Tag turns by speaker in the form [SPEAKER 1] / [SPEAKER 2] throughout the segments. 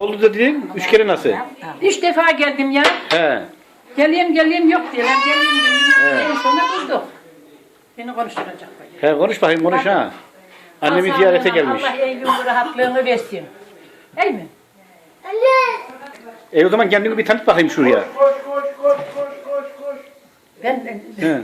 [SPEAKER 1] Oldu da dedin, 3 kere nasıl?
[SPEAKER 2] 3 defa geldim ya.
[SPEAKER 1] He.
[SPEAKER 2] Geleyim yok diyorlar. Geleyim. En sonra bulduk. Beni konuşturacak.
[SPEAKER 1] He konuş bakayım konuş ha. Annemi
[SPEAKER 2] Allah
[SPEAKER 1] ziyarete
[SPEAKER 2] Allah,
[SPEAKER 1] gelmiş.
[SPEAKER 2] Allah evin rahatlığını versin. Değil mi?
[SPEAKER 1] O zaman kendini bir tanıt bakayım şuraya.
[SPEAKER 2] Ben
[SPEAKER 1] He.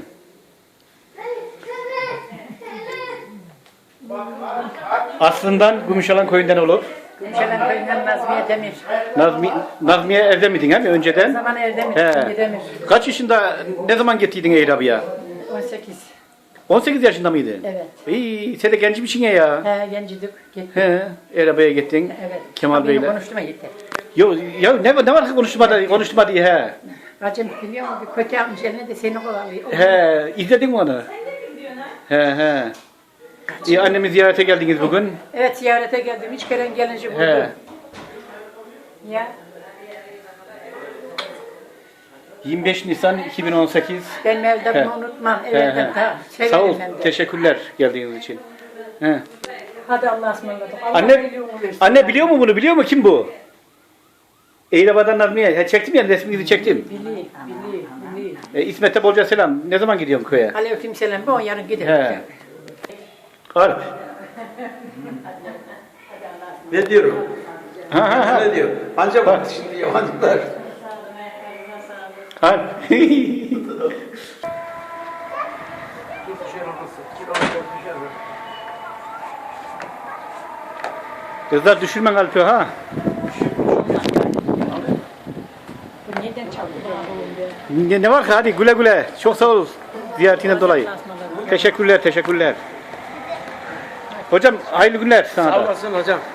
[SPEAKER 1] Aslından Gümüşalan köyünden olup
[SPEAKER 2] Gümüşhane köyünden Nazmiye Demir.
[SPEAKER 1] Nazmiye evde miydin he mi
[SPEAKER 2] O
[SPEAKER 1] önceden?
[SPEAKER 2] zaman Erdemir,
[SPEAKER 1] He.
[SPEAKER 2] şimdi Demir.
[SPEAKER 1] Kaç yaşında ne zaman getirdin Eyrabı'ya?
[SPEAKER 2] 18.
[SPEAKER 1] 18 yaşında mıydın?
[SPEAKER 2] Evet.
[SPEAKER 1] İyi, sen de genç misin ya?
[SPEAKER 2] He, gencidik. Gittik.
[SPEAKER 1] He, Eyrabı'ya gittin.
[SPEAKER 2] Evet.
[SPEAKER 1] Kemal Bey'le.
[SPEAKER 2] Konuştum yeter.
[SPEAKER 1] Yo, ya ne var ki konuşma diye he.
[SPEAKER 2] Bacım biliyor musun? Bir kötü yapmış eline de seni kovalıyor.
[SPEAKER 1] He, izledin mi onu? He. İyi, annemi ziyarete geldiniz bugün.
[SPEAKER 2] Evet, ziyarete geldim. 3 kere gelince buldum.
[SPEAKER 1] He.
[SPEAKER 2] Ya.
[SPEAKER 1] 25 Nisan 2018.
[SPEAKER 2] Ben evde
[SPEAKER 1] He.
[SPEAKER 2] bunu unutmam.
[SPEAKER 1] He,
[SPEAKER 2] Evden
[SPEAKER 1] he.
[SPEAKER 2] ta
[SPEAKER 1] Sağ ol,
[SPEAKER 2] severim ben de.
[SPEAKER 1] teşekkürler geldiğiniz için. He.
[SPEAKER 2] Hadi Allah'a ısmarladık. Allah
[SPEAKER 1] Anne,
[SPEAKER 2] biliyor mu versin.
[SPEAKER 1] anne biliyor mu bunu? Biliyor mu kim bu? Eylaba'dan Nazmiye. He, çektim ya resminizi çektim.
[SPEAKER 2] Biliyor.
[SPEAKER 1] İsmet'e bolca selam. Ne zaman gidiyorum köye?
[SPEAKER 2] Aleyküm selam. Ben yarın giderim.
[SPEAKER 1] He. Harp.
[SPEAKER 3] Ne diyorum?
[SPEAKER 1] Ha.
[SPEAKER 3] Ne diyor? Anca bak şimdi yabancılar.
[SPEAKER 1] Harp. Kızlar düşürmen Alp'i ha.
[SPEAKER 2] Bu neden çalıyor?
[SPEAKER 1] Ne var ki hadi güle güle. Çok sağ ol ziyaretinden dolayı. Teşekkürler. Hocam hayırlı günler sana
[SPEAKER 3] Sağ
[SPEAKER 1] da.
[SPEAKER 3] olasın hocam.